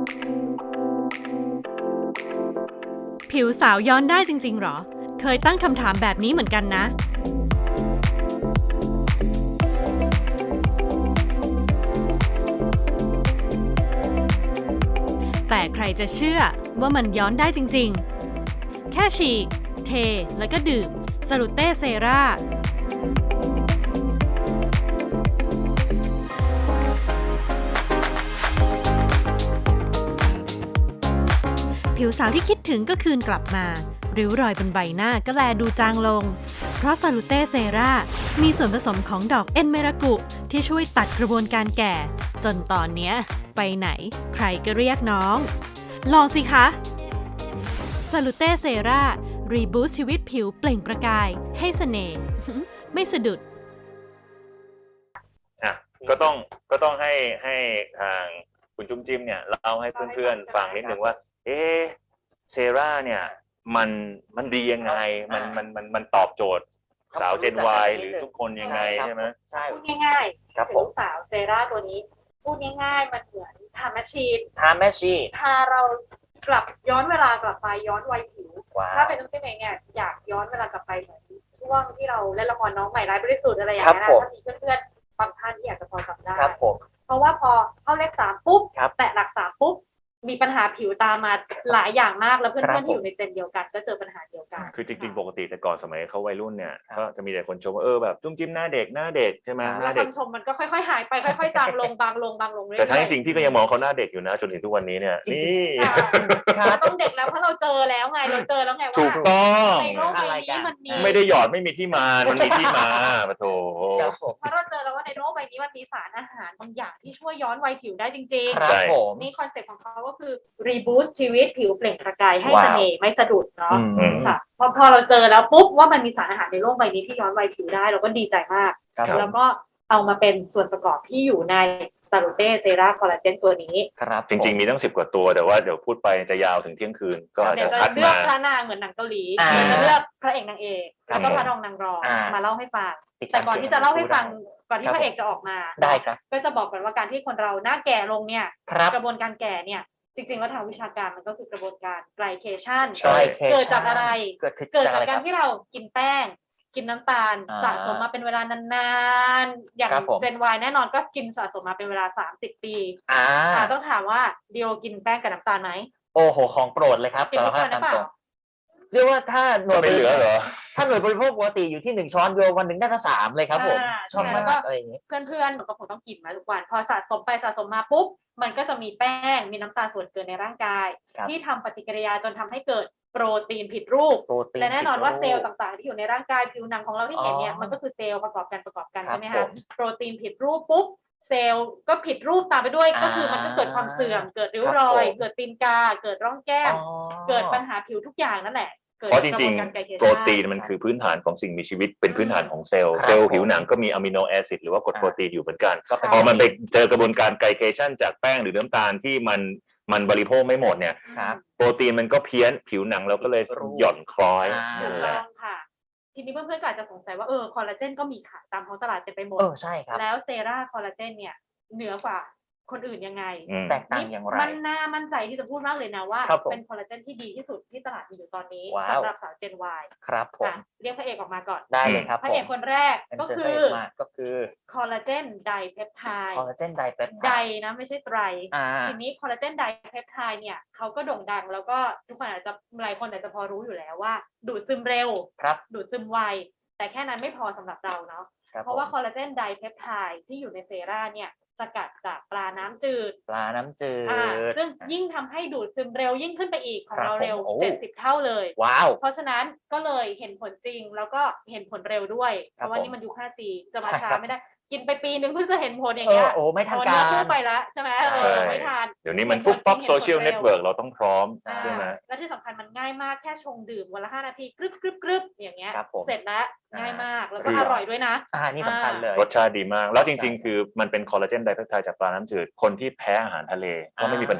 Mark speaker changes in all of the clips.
Speaker 1: ผิวสาวย้อนได้จริงๆหรอ เคยตั้งคำถามแบบนี้เหมือนกันนะ แต่ใครจะเชื่อว่ามันย้อนได้จริงๆ แค่ฉีก เท แล้วก็ดื่มสลูเต้เซราผิวสาวที่คิดถึงก็คืนกลับมาริ้วรอยบนใบหน้าก็แลดูจางลง เพราะซาลูเต้เซรามีส่วนผสมของดอกเอ็นเมรากุที่ช่วยตัดกระบวนการแก่ จนตอนเนี้ยไปไหนใครก็เรียกน้อง ลองสิคะซาลูเต้เซรารีบูสต์ชีวิตผิวเปล่งประกายให้เสน่ห์ ไม่สะดุด
Speaker 2: ก็ต้องให้ทางคุณจุ้มจิ้มเนี่ยเล่าให้เพื่อนๆฟังนิดนึงว่าเซราเนี่ยมันดียังไงมันตอบโจทย์สาวเจน Y หรือทุกคนยังไงใช่ไหม
Speaker 3: ใช่
Speaker 4: พูดง่ายๆ
Speaker 3: ครับผ
Speaker 4: ผิว
Speaker 3: ม
Speaker 4: สาวเซราตัวนี้พูดง่ายๆมันเหมือนทำแมชชีน
Speaker 3: ทาแม่ชี
Speaker 4: พาเรากลับย้อนเวลากลับไปย้อนวัยผิว
Speaker 3: ว้าว
Speaker 4: ถ้าเป็นน้องเต้เองเนี่ยอยากย้อนเวลากลับไปเหมือนช่วงที่เราเล่นละครน้องใหม่ร้ายบริสุทธิ์อะไรอย่างเงี้ยนะถ้ามีเพื่อนๆบางท่านที่อยากจะพอจำได้
Speaker 3: ครับผม
Speaker 4: เพราะว่าพอเข้าเลข3ปุ๊บ
Speaker 3: ครับ
Speaker 4: แตะหลัก3ปุ๊บมีปัญหาผิวตามมาหลายอย่างมากแล้วเพื่
Speaker 3: ครั
Speaker 4: อนๆที่อ
Speaker 3: บผม
Speaker 4: ยู่ในเจนเดียวกันก็เจอปัญหาเดียวกัน
Speaker 2: คือจริงๆปกติแต่ก่อนสมัยเขาวัยรุ่นเนี่ย
Speaker 3: ครับ
Speaker 2: ก็จะมีแต่คนชมว่าแบบจุ้มจิ้มหน้าเด็กใช่ไหมห
Speaker 4: แล้
Speaker 2: น้าว เด็ก
Speaker 4: คำชมมันก็ค่อยๆหายไปค่อยๆจางลงบางลงเรื่อยๆ
Speaker 2: แต่ทั้งจริงๆพี่ก็ยังมองเขาหน้าเด็กอยู่นะจนถึงทุกวันนี้เนี่ย
Speaker 3: จริงๆ
Speaker 2: นี่
Speaker 4: ค่ะเราต้องเด็กแล้วเพราะเราเจอแล้วไงเราเจอแล้วไงว่า
Speaker 2: ถูกต้อง
Speaker 4: ในโลกใบนี้มันมี
Speaker 2: ไม่ได้หยอดไม่มีที่มา มันมีที่มาปะโถ
Speaker 3: ครับผม
Speaker 4: เพราะเราเจอแล้วว่าในโลกใบนี้มันมีสารอาหารบางอย่างที่ช่วยย้อนวัยผิวได้จริง
Speaker 3: ครับผม
Speaker 4: ๆนี่คอนเซ็ปต์ของเขาก็คือรีบูสต์ชีวิตผิวเปล่งประกายให้
Speaker 3: ว้าว
Speaker 4: เสน่ห์ไม่สะดุดเนาะ
Speaker 3: อืม
Speaker 4: ค่ะพอเราเจอแล้วปุ๊บว่ามันมีสารอาหารในโลกใบนี้ที่ย้อนวัยผิวได้เราก็ดีใจมาก
Speaker 3: ครับ
Speaker 4: แล้วก็เอามาเป็นส่วนประกอบที่อยู่ในซาลูเต้เซราคอลลาเจนตัวนี้
Speaker 3: ครับ
Speaker 2: จริงๆมีตั้ง10 กว่าตัวแต่ว่าเดี๋ยวพูดไปจะยาวถึงเที่ยงคืนก็อาจ
Speaker 4: เดี๋ย
Speaker 2: จะ
Speaker 4: วจะ
Speaker 2: คัด
Speaker 4: เลือก
Speaker 2: มา
Speaker 4: พระนางเหมือนหนังเกาหลี
Speaker 3: อ่า
Speaker 4: เดี๋ยวจะเลือกพระเอกนางเอก
Speaker 3: ครับ
Speaker 4: แล้วก็พระรองนางรอง
Speaker 3: อ่าม
Speaker 4: มาเล่าให้ฟัง
Speaker 3: ติดตาม
Speaker 4: แต่ก่อนที่จะเล่าให้ฟังก่อนที่
Speaker 3: ครับ
Speaker 4: พระเอกจะออกมา
Speaker 3: ได้ครับ
Speaker 4: ก็จะบอกกันว่าการที่คนเราหน้าแก่ลงเนี่ย
Speaker 3: ครับ
Speaker 4: กระบวนการแก่เนี่ยจริงๆแล้วทางวิชาการมันก็คือกระบวนการไกลเคชัน
Speaker 2: ใช่
Speaker 4: เกิดจากอะไร
Speaker 3: เกิด
Speaker 4: เกิด
Speaker 3: จาก
Speaker 4: จา
Speaker 3: อะไร
Speaker 4: กการที่เรากินแป้ง กินน้ำตาล
Speaker 3: อ่า
Speaker 4: สะสมมาเป็นเวลานานๆอย่าง
Speaker 3: ครับผม
Speaker 4: เจนวายแน่นอนก็กินสะสมมาเป็นเวลา30 ปี ต้องถามว่าเดียวกินแป้งกับน้ำตาลไหม
Speaker 3: โอ้โหของโปรดเลยครับ
Speaker 4: กิน
Speaker 3: สาร
Speaker 4: ทุก
Speaker 3: ภา
Speaker 4: วั
Speaker 3: พ
Speaker 4: นหรือ
Speaker 3: ตาม
Speaker 4: เปล่า
Speaker 3: ตรงเรียกว่าถ้าหน่วย
Speaker 2: ไม่เหลือเหรอ
Speaker 3: ถ้าหน่วยบริโภคปกติอยู่ที่1 ช้อนโยวันหนึ่งน่าจะ3เลยครับผม ชอบ
Speaker 4: แล้ว
Speaker 3: มา
Speaker 4: ก็
Speaker 3: กอะไรอย่างนี้
Speaker 4: เพื่อนๆก็คงต้องกินมาทุกวันพอสะสมไปสะสมมาปุ๊บมันก็จะมีแป้งมีน้ำตาลส่วนเกินในร่างกาย
Speaker 3: ครับ
Speaker 4: ที่ทำปฏิกิริยาจนทำให้เกิดโปรตีนผิดรูป
Speaker 3: โปรตีน
Speaker 4: และแน่นอนว่าเซลล์
Speaker 3: ผิดรูป
Speaker 4: ต่างๆที่อยู่ในร่างกายผิวหนังของเราที่เห็นเนี่ย
Speaker 3: อ๋อ
Speaker 4: มันก็คือเซลล์ประกอบกัน
Speaker 3: ครับ
Speaker 4: ใช่ไหม
Speaker 3: ผ
Speaker 4: คะ
Speaker 3: ม
Speaker 4: โปรตีนผิดรูปปุ๊บเซลล์ก็ผิดรูปตามไปด้วยก็คือมันก็เกิดความเสื่อมเกิดริ้วรอย
Speaker 3: ครับผม
Speaker 4: เกิดตีนกาเกิดร่องแก้ม
Speaker 3: อ๋อ
Speaker 4: เกิดปัญหาผิวทุกอย่างนั่นแหละกิด
Speaker 2: เพราะจ
Speaker 4: ก
Speaker 2: ริง
Speaker 4: บวนการไกลเค
Speaker 2: ๆ
Speaker 4: ชั่
Speaker 2: โปรตีนมันคือพื้นฐานของสิ่งมีชีวิตเป็นพื้นฐานของเซลล์
Speaker 3: ครับ
Speaker 2: เซลล์ผิวหนังก็มีอะมิโนแอซิดหรือว่ากรดโปรตีนอยู่เหมือนกัน
Speaker 3: ก็เป็น
Speaker 2: พอมันไปเจอกระบวนการไกลเคชันจากแป้งหรือน้ำตาลที่มันบริโภคไม่หมดเนี่ย
Speaker 3: ครับ
Speaker 2: โปรตีนมันก็เพี้ยนผิวหนังเราก็เลยหย่อนคล้อย
Speaker 3: อ่า
Speaker 2: นั่น
Speaker 4: ถูก
Speaker 2: แหละ
Speaker 4: ต้องค่ะ ทีนี้เพื่อนๆก็อาจจะสงสัยว่าคอลลาเจนก็มีขายตามท้องตลาดเต็มไปหมด
Speaker 3: ใช่ครับ
Speaker 4: แล้วเซราคอลลาเจนเนี่ยเหนือกว่าคนอื่นยังไง
Speaker 2: อืม
Speaker 3: แตกต่างอย่างไร
Speaker 4: มันน่ามั่นใจที่จะพูดมากเลยนะว่า
Speaker 3: ครับผม
Speaker 4: เป็นคอลลาเจนที่ดีที่สุดที่ตลาดมีอยู่ตอนนี้
Speaker 3: ว้าว
Speaker 4: สำหรับสาวเจน Y
Speaker 3: ครับผม
Speaker 4: เรียกพระเอกออกมาก่อน
Speaker 3: ได้เลยครับ
Speaker 4: พระ
Speaker 3: ผ
Speaker 4: เอ
Speaker 3: ม
Speaker 4: กคนแรกก็
Speaker 3: เชิญ
Speaker 4: คื
Speaker 3: พระ
Speaker 4: อ
Speaker 3: เอกมาก็คือ
Speaker 4: คอลลาเจนไดเพปไทด์
Speaker 3: คอลลาเจนไดเปป
Speaker 4: ได
Speaker 3: ไทด์
Speaker 4: นะไม่ใช่ไตร
Speaker 3: อ่า
Speaker 4: ทีนี้คอลลาเจนไดเพปไทด์เนี่ยเขาก็โด่งดังแล้วก็ทุกคนอาจจะหลายคนอาจจะพอรู้อยู่แล้วว่า ดูดซึมเร็ว
Speaker 3: ครับ
Speaker 4: ดูดซึมไวแต่แค่นั้นไม่พอสำหรับเราเนาะ
Speaker 3: ครับ
Speaker 4: เพราะว่า
Speaker 3: ผม
Speaker 4: คอลลาเจนไดเพปไทด์ที่อยู่ในเซราเนี่ยสกัดจากปลาน้ำจืด
Speaker 3: ปลาน้ำจืด
Speaker 4: ซึ่งยิ่งทำให้ดูดซึมเร็วยิ่งขึ้นไปอีกของ
Speaker 3: ครับ
Speaker 4: เราเร็ว
Speaker 3: ผมโอ้
Speaker 4: 70 เท่าเลย
Speaker 3: ว้าว
Speaker 4: เพราะฉะนั้นก็เลยเห็นผลจริงแล้วก็เห็นผลเร็วด้วย เพ
Speaker 3: ครับ
Speaker 4: ราะว่า
Speaker 3: ผม
Speaker 4: นี่มันยุค 5G จะมา
Speaker 3: ใช่
Speaker 4: ช้า
Speaker 3: ครับ
Speaker 4: ไม่ได้ กินไปปีนึงเพิ่งจะเห็นผลอย่างเงี้ย
Speaker 3: โอ้ไม่ทัน
Speaker 4: เนื้
Speaker 3: กา
Speaker 4: อคู่
Speaker 3: ร
Speaker 4: ไปแล้วใช่ไหม
Speaker 3: ใช่
Speaker 4: ไม่ทัน
Speaker 2: เดี๋ยวนี้มันฟุบปั๊บโซเชียลเน็ตเวิร์กเราต้องพร้อม
Speaker 4: อ่า
Speaker 2: ใช่ไหม
Speaker 4: และที่สำคัญมันง่ายมากแค่ชงดื่มวันละ5 นาทีกรึบกรึบกรึบอย่างเงี้ย
Speaker 3: ครับผม
Speaker 4: เสร็จแล้วง่ายมากแล้วก็
Speaker 2: คือ
Speaker 4: อร่อยด้วยนะ
Speaker 3: นี่สำคัญเลย
Speaker 2: รสชาติดีมาก แล้วจริงๆ คือมันเป็นคอลลาเจนไดเพปไทด์จากปลาน้ำจืด คนที่แพ้อาหารทะเลก็ไม่มีปัญหา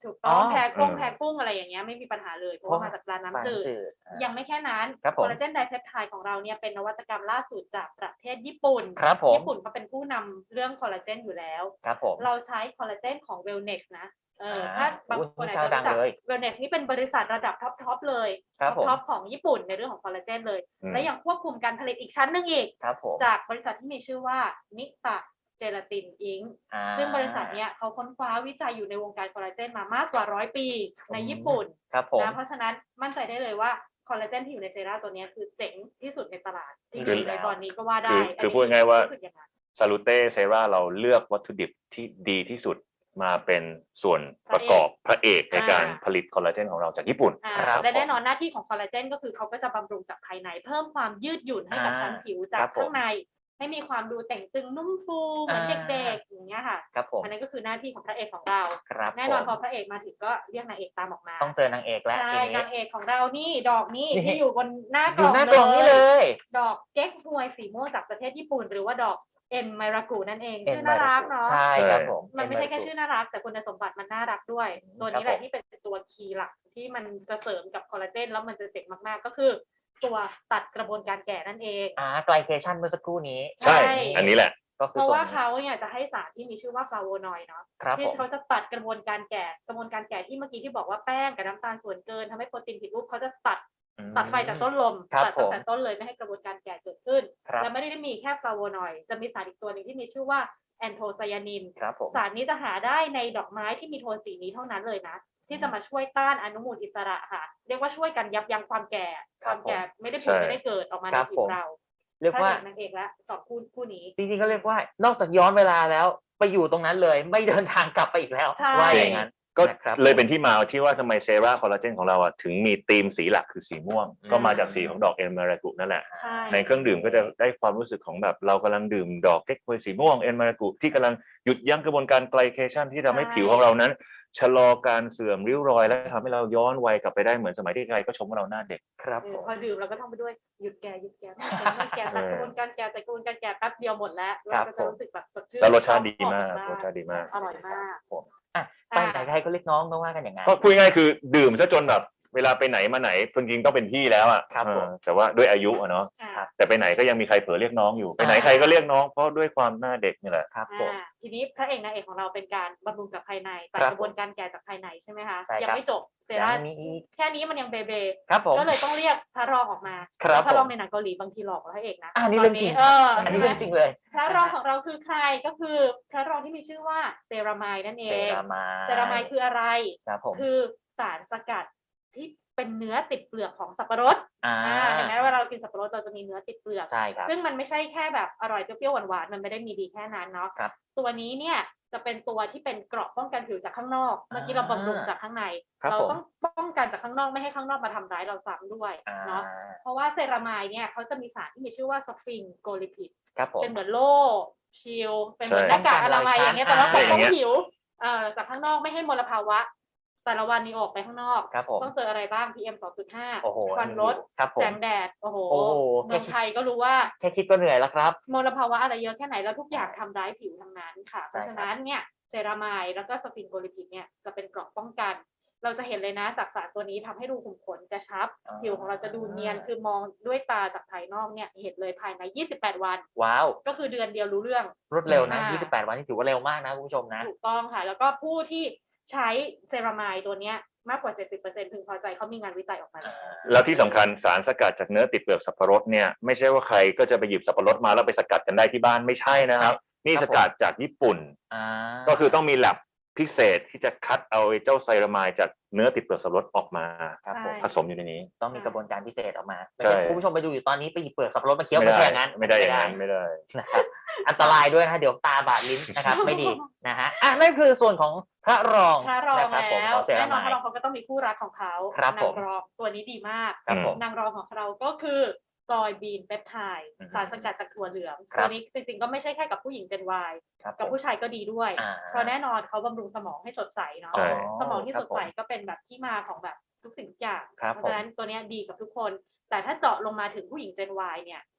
Speaker 4: ถูกต้อง
Speaker 3: อ๋อ
Speaker 4: แพ้กุ้งอะไรอย่างเงี้ยไม่มีปัญหาเลยเพราะว่ามาจากปลาน้ำจืด ยังไม่แค่นั้น
Speaker 3: ครับผม
Speaker 4: คอลลาเจนไดเพปไทด์ของเราเนี่ยเป็นนวัตกรรมล่าสุดจากประเทศญี่ปุ่น
Speaker 3: ครับผม
Speaker 4: ญี่ปุ่นเขาเป็นผู้นำเรื่องคอลลาเจนอยู่แล้ว
Speaker 3: ครับผม
Speaker 4: เราใช้คอลลาเจนของ Wellnex นะถ้าบางคนอาจ
Speaker 3: เจ้า
Speaker 4: จะ
Speaker 3: ดัง
Speaker 4: รู้จัก
Speaker 3: เลย
Speaker 4: Wellnex นี่เป็นบริษัทระดับท็อปเลย
Speaker 3: ครับผม
Speaker 4: ท็อปของญี่ปุ่นในเรื่องของคอลลาเจนเลย
Speaker 2: อืม
Speaker 4: และยังควบคุมการผลิตอีกชั้นหนึงอีก
Speaker 3: ครับผม
Speaker 4: จากบริษัทที่มีชื่อว่านิตะเจลาตินอิง ซึ่งบริษัทเนี้ยเขาค้นคว้าวิจัยอยู่ในวงการคอลลาเจนมามากกว่า100 ปีในญี่ปุ่น
Speaker 3: ครับผม
Speaker 4: นะเพราะฉะนั้นมั่นใจได้เลยว่าคอลลาเจนที่อยู่ในเซรั่มตัวเนี้ยคือเจ๋งที่สุดในตลาดจ
Speaker 3: คือ
Speaker 4: ริงๆในตอนนี้ก็ว่าได้
Speaker 2: คือพูดง่ายๆว่า
Speaker 4: รู้สึกอย่างนั้น
Speaker 2: ซาลูเต้เซราเราเลือกวัตถุดิบที่ดีที่สุดมาเป็นส่วนประกอบพระเอกในการผลิตคอลลาเจนของเราจากญี่ปุ่น
Speaker 3: ครับ
Speaker 4: และแน่นอนหน้าที่ของคอลลาเจนก็คือเขาก็จะบำรุงจากภายในเพิ่มความยืดหยุ่นให้กับชั้นผิวจา
Speaker 3: ครั
Speaker 4: ก
Speaker 3: บผม
Speaker 4: ข้างในให้มีความดูแต่งตึงนุ่มฟูเหมือนเด็กๆอย่างเงี้ยค่ะ
Speaker 3: ครับผม
Speaker 4: อันนั้นก็คือหน้าที่ของพระเอกของเรา
Speaker 3: ครับ
Speaker 4: แน่นอน
Speaker 3: ผม
Speaker 4: พอพระเอกมาถึงก็เรียกนางเอกตามออกมา
Speaker 3: ต้องเจอนางเอกแล้ว
Speaker 4: ใช่
Speaker 3: ทีนี้
Speaker 4: นางเอกของเรานี่ดอกนี่
Speaker 3: นี่
Speaker 4: ที่อยู่บนหน้า
Speaker 3: อก ยู่
Speaker 4: ล่อง
Speaker 3: หน้ากล่องนี่เลย
Speaker 4: ดอกเก๊กฮวยสีม่วงจากประเทศญี่ปุ่น หรือว่าดอกเอ็นไมรากุนั่นเองชื่อน่ารักเนาะ
Speaker 3: ใช่ครับผม
Speaker 4: มันไม่ใช่แค่ชื่อน่ารักแต่คุณสมบัติมันน่ารักด้วย ตัวนี้แหละที่เป็นตัวคีย์หลักที่มันจะเสริมกับคอลลาเจนแล้วมันจะเจ๋งมากๆก็คือ ตัวตัดกระบวนการแก่นั่นเอง
Speaker 3: ไกลเคชันเมื่อสักครู่นี้
Speaker 2: ใช่ อันนี้แหละ
Speaker 3: ก็คื
Speaker 4: เพ
Speaker 3: อ
Speaker 4: ราะ
Speaker 3: ตัว
Speaker 4: ว่า
Speaker 3: นี้
Speaker 4: เขาเนี่ยจะให้สารที่มีชื่อว่าฟลาโวนอยด์เนาะ
Speaker 3: ครับ
Speaker 4: ที่
Speaker 3: ผม
Speaker 4: เขาจะตัดกระบวนการแก่ที่เมื่อกี้ที่บอกว่าแป้งกับน้ำตาลส่วนเกินทำให้โปรตีนผิดรูปเขาจะตัดไฟจากต้นลม
Speaker 3: ครับ
Speaker 4: ตัด
Speaker 3: ผ
Speaker 4: ตั้ง
Speaker 3: ม
Speaker 4: แต่ต้นเลยไม่ให้กระบวนการแก่เกิดขึ้น
Speaker 3: ครับ
Speaker 4: และไม่ได้มีแค่ฟลาโวนอยด์จะมีสารอีกตัวหนึ่งที่มีชื่อว่าแอนโทไซยานิน
Speaker 3: ครับผม
Speaker 4: สารนี้จะหาได้ในดอกไม้ที่มีโทนสีนี้เท่านั้นเลยนะ ที่จะมาช่วยต้านอนุมูลอิสระค่ะ เรียกว่าช่วยกันยับยั้งความแก่ ความแก่ไม่ได้ผุดไม่ได้เกิดออกมาในผิวเรา
Speaker 3: เรียกว่า
Speaker 4: พระเอกนางเอกและสองคู่นี้
Speaker 3: จริงๆก็เรียกว่านอกจากย้อนเวลาแล้วไปอยู่ตรงนั้นเลยไม่เดินทางกลับไปอีกแล้ว
Speaker 4: ใช่
Speaker 3: ว่าอย่างนั้น
Speaker 2: ก็
Speaker 3: นะครับ
Speaker 2: เลยเป็นที่มาที่ว่าทำไมเซราคอลลาเจนของเราอ่ะถึงมีธีมสีหลักคือสีม่วง ก็มาจากสีของดอกเอ็นมารากุนั่นแหละ
Speaker 4: ใช่
Speaker 2: ในเครื่องดื่มก็จะได้ความรู้สึกของแบบเรากำลังดื่มดอกเก๊กฮวยสีม่วงเอ็นมารากุที่กำลังหยุดยั้งกระบวนการไกลเคชันที่ทำให้ผิวของเรานั้นชะลอการเสื่อมริ้วรอย และทำให้เราย้อนวัยกลับไปได้เหมือนสมัยที่ใครก็ชมว่าเราหน้าเด็ก
Speaker 3: ครับผม
Speaker 4: พอดื่มเราก็ท่องไปด้วยหยุดแก่ไม่แก่ตัดกระบวนการแก่แต่กระบวนการแก่แป๊บเดียวหมดแล้วเราก็จะรู้สึกแบบสดชื่น
Speaker 2: แล้วรสชาติดีมากรสชาติดีมาก
Speaker 4: อร่อยมาก
Speaker 3: ไปไหนใครก็เรียกน้องก็ว่ากันอย่างนั้น
Speaker 2: ก็พูดง่ายๆคือดื่มซะจนแบบเวลาไปไหนมาไหนจริงๆต้องเป็นพี่แล้วอ่ะ
Speaker 3: ครับผม
Speaker 2: แต่ว่าด้วยอายุอะเนาะ
Speaker 4: อ่า
Speaker 2: แต่ไปไหนก็ยังมีใครเผลอเรียกน้องอยู่ไปไหนใครก็เรียกน้องเพราะด้วยความหน้าเด็กนี่แหละ
Speaker 3: ครับผม
Speaker 4: ทีนี้พระเอกนางเอกของเราเป็นการบำรุงจากภายในตัด
Speaker 3: ครับ
Speaker 4: กระบวนการแก่จากภายในใช่ไหมคะ
Speaker 3: ใช่ครับ
Speaker 4: ยังไม่จบเซรั่ม
Speaker 3: มีอีก
Speaker 4: แค่นี้มันยังเบเบ
Speaker 3: ครับผม
Speaker 4: ก็เลยต้องเรียกพระรองออกมา
Speaker 3: ครับ
Speaker 4: พระรอง
Speaker 3: ผม
Speaker 4: ในหนังเกาหลีบางทีหลอกกว่าพระเอกนะ
Speaker 3: อันนี้เรื่องจริง
Speaker 4: อัน
Speaker 3: นี้
Speaker 4: นี้
Speaker 3: เรื่องจริงเลย
Speaker 4: พระรองของเราคือใครก็คือพระรองที่มีชื่อว่าเซรามายนั่นเอ
Speaker 3: เซ
Speaker 4: ง
Speaker 3: รามาย
Speaker 4: เซรามายคืออะไร
Speaker 3: ครับผม
Speaker 4: คือสารสกัดที่เป็นเนื้อติดเปลือกของสับปะรด เห็นไหมว่าเรากินสับปะรดเราจะมีเนื้อติดเปลือก
Speaker 3: ใช่ครับ
Speaker 4: ซึ่งมันไม่ใช่แค่แบบอร่อยเปรี้ยวๆหวานๆมันไม่ได้มีดีแค่นั้นเนาะ
Speaker 3: ครับ
Speaker 4: ตัวนี้เนี่ยจะเป็นตัวที่เป็นเกราะป้องกันผิวจากข้างนอก เมื่อกี้เราบำรุงจากข้างใน
Speaker 3: ครับ
Speaker 4: เรา
Speaker 3: ผม
Speaker 4: ต้องป้องกันจากข้างนอกไม่ให้ข้างนอกมาทำร้ายเราซ้ำด้วยเนาะเพราะว่าเซรามายเนี่ยเขาจะมีสารที่มีชื่อว่าสฟิงโกลิพิด
Speaker 3: ครับผม
Speaker 4: เป็นเหมือนโล่ชิลเป็นเหมือน
Speaker 2: ใช่
Speaker 4: หน้ากากอนามัยอย่างเงี้ยแต่ว่าปก
Speaker 2: ใช่
Speaker 4: ป้องผิวจากข้างนอกไม่ให้มลภาวะแต่ละวันนี้ออกไปข้างนอก
Speaker 3: ครับผม
Speaker 4: ต้องเจออะไรบ้าง PM
Speaker 3: โอ้โห
Speaker 4: 2.5 ควันรถ
Speaker 3: ครับผ
Speaker 4: แส
Speaker 3: ม
Speaker 4: งแดด โอ้โห
Speaker 3: โอ้โห
Speaker 4: เมืองไทยก็รู้ว่า
Speaker 3: แค่คิดก็เหนื่อยแล้วครับ
Speaker 4: มลภาวะอะไรเยอะแค่ไหนแล้วทุกอย่างทำร้ายผิวทั้งนั้นค่ะ เพ
Speaker 3: ใช่
Speaker 4: ราะฉะนั้นเนี่ยเซรามายแล้วก็สฟินโกลิพิดเนี่ยจะเป็นเกราะป้องกัน เราจะเห็นเลยนะจากสารตัวนี้ทำให้รูขุมขนกระชับ ผิวของเราจะดูเนียนคือมองด้วยตาจากภายนอกเนี่ยเห็นเลยภายใน 28 วัน
Speaker 3: ว้าว
Speaker 4: ก็คือเดือนเดียวรู้เรื่อง
Speaker 3: รวดเร็วนะ
Speaker 4: อ่า
Speaker 3: 28 วันนี่ถือว่าเร็วมากนะคุณผู้ชมนะ
Speaker 4: ถูกต้องค่ะ แล้วก็ผู้ที่ใช้เซรามายตัวเนี้ยมากกว่า 70%พึงพอใจเขามีงานวิจัยออกมาแล้ว
Speaker 2: แล้วที่สำคัญสารสกัดจากเนื้อติดเปลือกสับปะรดเนี่ยไม่ใช่ว่าใครก็จะไปหยิบสับปะรดมาแล้วไปสกัดกันได้ที่บ้านไม่ใช่นะครับ นี่
Speaker 3: ครับ
Speaker 2: สกัดจากญี่ปุ่น ก็คือต้องมี lab พิเศษที่จะคัดเอาไอ้เจ้าไซรามายจากเนื้อติดเปลือกสับปะรดออกมา
Speaker 3: ครับผม
Speaker 2: ผสมอยู่ในนี้
Speaker 3: ต้องมีกระบวนการพิเศษออกมา
Speaker 2: ใช่
Speaker 3: ไม่ใช่คุณผู้ชมไปดูอยู่ตอนนี้ไปหยิบเปลือกสับปะรดมาเคี้ยวไม่ใช่อย่างนั้น
Speaker 2: ไม่ได้อย่างนั้นไม่ได้
Speaker 3: นะครับอันตรายด้วยนะเดี๋ยวตาบาดลิ้นนะครับไม่ดีนะฮะนั่นคือส่วนของพระรอง
Speaker 4: พระรอง
Speaker 3: นะครับผม
Speaker 4: แล้
Speaker 3: ข
Speaker 4: ว
Speaker 3: องเซ
Speaker 4: แน่
Speaker 3: ราน
Speaker 4: อน
Speaker 3: มาย
Speaker 4: พระรองเขาก็ต้องมีคู่รักของเขา
Speaker 3: ครับ
Speaker 4: นา
Speaker 3: ผ
Speaker 4: ง
Speaker 3: ม
Speaker 4: รองตัวนี้ดีมาก
Speaker 3: ครับผม
Speaker 4: นางรองของเราก็คือซอยบีนเปปไทด์
Speaker 3: อืม
Speaker 4: สารสกัดจากถั่วเหลือง
Speaker 3: ครับ
Speaker 4: ตัวนี้จริงๆก็ไม่ใช่แค่กับผู้หญิง Gen Y
Speaker 3: ครับ
Speaker 4: กับผู้ชายก็ดีด้วย
Speaker 3: อ่า
Speaker 4: เพราะแน่นอนเขาบำรุงสมองให้สดใสเนาะ
Speaker 2: ใช่
Speaker 4: สมองที่
Speaker 3: ครั
Speaker 4: ส
Speaker 3: บ
Speaker 4: ดใส
Speaker 3: ผม
Speaker 4: ก็เป็นแบบที่มาของแบบทุกสิ่งทุกอย่าง
Speaker 3: ครับ
Speaker 4: เพราะฉะนั้นตัวเนี้ยดีกับทุกคน แต่ถ้าเจาะลงมาถึงผู้หญิง Gen Y เนี่ย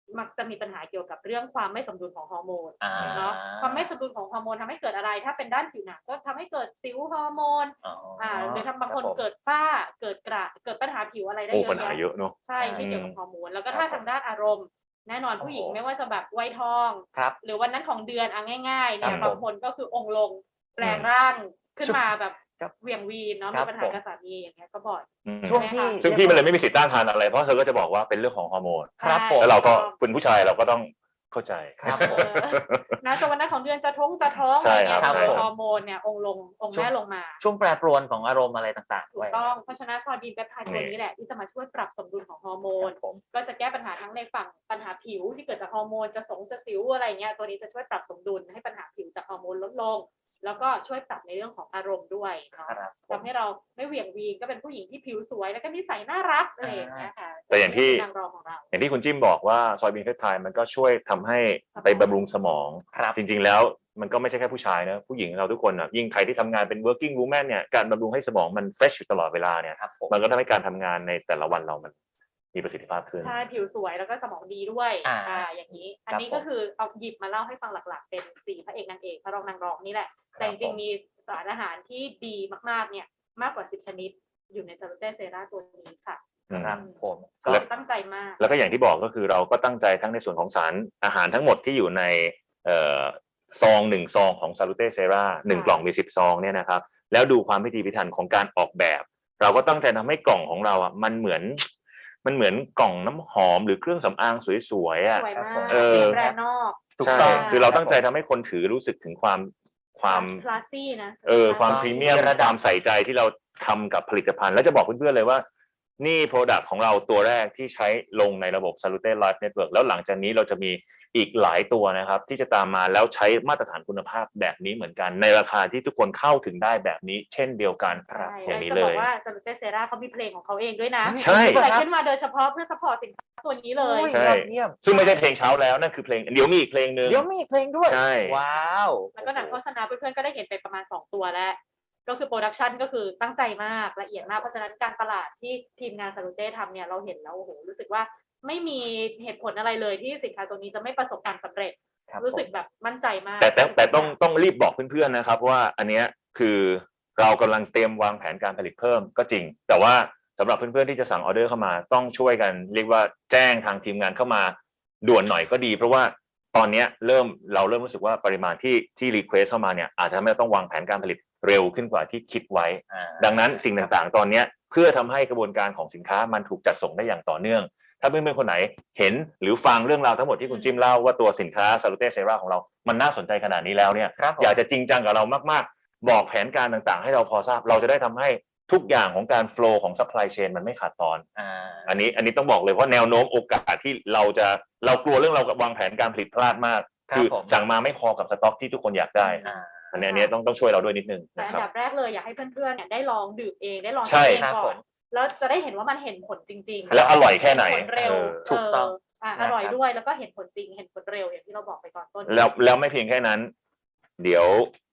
Speaker 4: มักจะมีปัญหาเกี่ยวกับเรื่องความไม่สมดุลของฮอร์โมน
Speaker 3: อ่า
Speaker 4: เนาะความไม่สมดุลของฮอร์โมนทำให้เกิดอะไรถ้าเป็นด้านผิวหนังก็ทำให้เกิดสิวฮอร์โมน หรือทำบางคนเกิดฝ้าเกิดกระเกิดปัญหาผิวอะไรได้
Speaker 2: โอ้
Speaker 4: เยอะ
Speaker 2: ปัญหา
Speaker 4: แยะ
Speaker 2: เยอะเนาะ
Speaker 4: ใช่ที่เกี่ยวกับฮอร์โมนแล้วก็
Speaker 3: ครั
Speaker 4: ถ้า
Speaker 3: บผม
Speaker 4: ทางด้านอารมณ์ แน่นอนผู้หญิง
Speaker 3: โอ้โห
Speaker 4: ไม่ว่าจะแบบวัยทอง
Speaker 3: ครับ
Speaker 4: หรือวันนั้นของเดือนง่ายๆเนี่ย
Speaker 3: ครับผม
Speaker 4: บางคนก็คือองค์ลงแปลงร่างขึ้นมาแบบ
Speaker 3: ครับ
Speaker 4: เหวี่ยงวีนเนาะ
Speaker 3: ครั
Speaker 4: มี
Speaker 3: บ
Speaker 4: ปัญหากับสามีอย่างเงี้ยก็บ่อย
Speaker 3: ช่วงที่
Speaker 2: ซึ่งพี่มันเลยไม่มีสิทธิ์ต้านทานอะไรเพราะเธอก็จะบอกว่าเป็นเรื่องของฮอร์โมน
Speaker 3: ครับผม
Speaker 2: แล้วเราก็เป็นผู้ชายเราก็ต้องเข้าใจ
Speaker 3: ครับ
Speaker 4: เออนะจนวันนั้นของเดือนจะท้อง
Speaker 2: ใช่
Speaker 4: อะไร
Speaker 2: ครับ
Speaker 4: เงี้ย
Speaker 3: ใช่
Speaker 4: ฮอร์โมนเนี่ยองค์ลงองค์แม่ลงมา
Speaker 3: ช่วงแปรปรวนของอารมณ์อะไรต่างๆ
Speaker 4: ถู
Speaker 3: ด้ว
Speaker 4: ก
Speaker 3: ย
Speaker 4: ต้องเพราะฉะนั้นซอดีนเปปไทด์ตัวนี้แหละที่จะมาช่วยปรับสมดุลของฮอร์โมน
Speaker 3: ครับผม
Speaker 4: ก็จะแก้ปัญหาทั้งในฝั่งปัญหาผิวที่เกิดจากฮอร์โมนจะสิวอะไรเงี้ยตัวนี้จะช่วยปรับสมดุลให้ปัญหาผิวจากฮอร์โมนลดลง แล้วก็ช่วยปรับในเรื่องของอารมณ์ด้วยเนาะ
Speaker 3: ครับผม
Speaker 4: ทำให้เราไม่เหวี่ยงวีนก็เป็นผู้หญิงที่ผิวสวยแล้วก็นิสัยน่ารักอะไรอย่างเงี้ยค่ะ
Speaker 2: แต่อย่างที่
Speaker 4: นางรองของเรา
Speaker 2: อย่างที่คุณจิ้มบอกว่าซอยบีนเฟสไทม์มันก็ช่วยทำให้ไปบำรุงสมอง
Speaker 3: ครับ
Speaker 2: จริงๆแล้วมันก็ไม่ใช่แค่ผู้ชายนะผู้หญิงเราทุกคนอ่ะยิ่งใครที่ทำงานเป็น working woman เนี่ยการบำรุงให้สมองมัน fresh อยู่ตลอดเวลาเนี่ย
Speaker 3: ครับผม
Speaker 2: มันก็ทำให้การทำงานในแต่ละวันเรามันมีประสิทธิภาพขึ้น
Speaker 4: ใช่ผิวสวยแล้วก็สมองดีด้วย อย่างนี้ อันนี้
Speaker 3: ครับผม
Speaker 4: ก็คือเอาหยิบมาเล่าให้ฟังหลักๆ เป็น4พระเอกนางเอกพระรองนางรองนี่แหละ แต่จริงๆมีสารอาหารที่ดีมากๆเนี่ยมากกว่า10ชนิดอยู่ในซาลูเต้เซราตัวนี้ค่ะ
Speaker 3: ครับผม
Speaker 4: ก็
Speaker 2: แล้ว
Speaker 4: ตั้งใจมาก
Speaker 2: แล้วก็อย่างที่บอกก็คือเราก็ตั้งใจทั้งในส่วนของสารอาหารทั้งหมดที่อยู่ในซอง1ซองของ Salute Sera 1กล่องมี10ซองเนี่ยนะครับแล้วดูความพิถีพิถันของการออกแบบ เราก็ตั้งใจทำให้กล่องของเราอ่ะมันเหมือนกล่องน้ำหอมหรือเครื่องสำอางสวยๆอ่ะ
Speaker 4: สวยมาก
Speaker 2: เออ
Speaker 4: จริงแบรนด์นอก
Speaker 3: ถูก
Speaker 2: ใช่
Speaker 3: ต้อง
Speaker 2: คือเราตั้งใจทำให้คนถือรู้สึกถึงความ
Speaker 4: คลาสซี่นะ
Speaker 2: ความพรีเมียม
Speaker 3: ระดับ
Speaker 2: ความใส่ใจที่เราทำกับผลิตภัณฑ์ แล้วจะบอกเพื่อนๆเลยว่า นี่ Product ของเราตัวแรกที่ใช้ลงในระบบ Salute Life Network แล้วหลังจากนี้เราจะมีอีกหลายตัวนะครับที่จะตามมาแล้วใช้มาตรฐานคุณภาพแบบนี้เหมือนกัน ในราคาที่ทุกคนเข้าถึงได้แบบนี้ เช่นเดียวกัน
Speaker 4: ใช่
Speaker 2: อย่างนี้
Speaker 4: จะ
Speaker 2: เล
Speaker 4: บอก
Speaker 2: ย
Speaker 4: ว่าซาลูเต้เซราเขามีเพลงของเขาเองด้วยนะ
Speaker 2: ใช่
Speaker 4: เกิดขึ้นมาโดยเฉพาะเพื่อซัพพอร์ตสินค้าตัวนี้เลย
Speaker 3: โอ้ย
Speaker 2: ใช่
Speaker 3: ยอดเยี่ยม
Speaker 2: ซึ่งไม่ใช่เพลงเช้าแล้วนั่นคือเพลงเดี๋ยวมีอีกเพลงหนึ่ง
Speaker 3: เดี๋ยวมีอีกเพลงด้วย
Speaker 2: ใช่
Speaker 3: ว้าว
Speaker 4: แล้วก็หนังโฆษณาเพื่อนๆก็ได้เห็นไปประมาณ2ตัวแล้ว ก็คือโปรดักชันก็คือตั้งใจมากละเอียดมากเพราะฉะนั้นการตลาดที่ทีมงานซาลูเต้ทำเนี่ยเราเห็นแล้วโอ้โหรู้สึกว่าไม่มีเหตุผลอะไรเลยที่สินค้าตัวนี้จะไม่ประสบความสำเร็จ
Speaker 3: ครับ
Speaker 4: รู้สึกแบบมั่นใจมาก
Speaker 2: แต่ต้องรีบบอกเพื่อนๆนะครับว่าอันเนี้ยคือเรากำลังเตรียมวางแผนการผลิตเพิ่มก็จริง แต่ว่าสำหรับเพื่อนๆที่จะสั่งออเดอร์เข้ามาต้องช่วยกันเรียกว่าแจ้งทางทีมงานเข้ามาด่วนหน่อยก็ดี เพราะว่าตอนเนี้ยเราเริ่มรู้สึกว่าปริมาณที่รีเควสเข้ามาเนี่ยอาจจะทำให้เราต้องวางแผนการผลิตเร็วขึ้นกว่าที่คิดไว้ ดังนั้นสิ่งต่างๆตอนเนี้ยเพื่อทำให้กระบวนการของสินค้ามันถูกจัดส่งได้อย่างต่อเนื่อง ถ้าเพื่อนๆคนไหนเห็นหรือฟังเรื่องราวทั้งหมดที่คุณจิ้มเล่าว่าตัวสินค้า Salute Sera ของเรามันน่าสนใจขนาดนี้แล้วเนี่ย
Speaker 3: ครับผม
Speaker 2: อยากจะจริงจังกับเรามากๆบอกแผนการต่างๆ ให้เราพอทราบเราจะได้ทำให้ทุกอย่างของการ flow ของ supply chain มันไม่ขาดตอน อันนี้ต้องบอกเลยว่าแนวโน้มโอกาสที่เรากลัวเรื่องเราวางแผนการผลิตพลาดมาก
Speaker 3: ครับ
Speaker 2: คือ
Speaker 3: ผม
Speaker 2: สั่งมาไม่พอกับสต็อกที่ทุกคนอยากได้ อันนี้ต้องช่วยเราด้วยนิดนึง
Speaker 4: แต่
Speaker 2: นะ
Speaker 4: อั
Speaker 2: คน รับ
Speaker 4: ดับแรกเลยอยากให้เพื่อนๆเนี่ยได้ลองดื่มเองได้ลอง
Speaker 2: ใช่
Speaker 4: ใช้เอง
Speaker 3: ครับ
Speaker 4: ก่
Speaker 3: ผ
Speaker 4: อน
Speaker 3: ม
Speaker 4: แล้วจะได้เห็นว่ามันเห็นผลจริงๆ
Speaker 2: แล้วอร่อยแค่ไหน
Speaker 4: เห็นผลเร็ว
Speaker 3: ถูกต้อง
Speaker 4: อร่อยด้วยแล้วก็เห็นผลจริงเห็นผลเร็วอย่างที่เราบอกไปก่อนต้น
Speaker 2: แล้วไม่เพียงแค่นั้น เดี๋ยว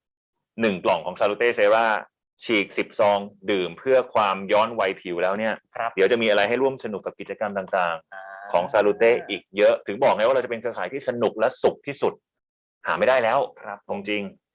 Speaker 2: 1กล่องของ Salute Sera ฉีก10ซองดื่มเพื่อความย้อนวัยผิวแล้วเนี่ย
Speaker 3: ครับ
Speaker 2: เดี๋ยวจะมีอะไรให้ร่วมสนุกกับกิจกรรมต่างๆ ของ Salute อีกเยอะถึงบอกไงว่าเราจะเป็นเครือข่ายที่สนุกและสุขที่สุด หาไม่ได้แล้ว
Speaker 3: ครับ
Speaker 2: จริง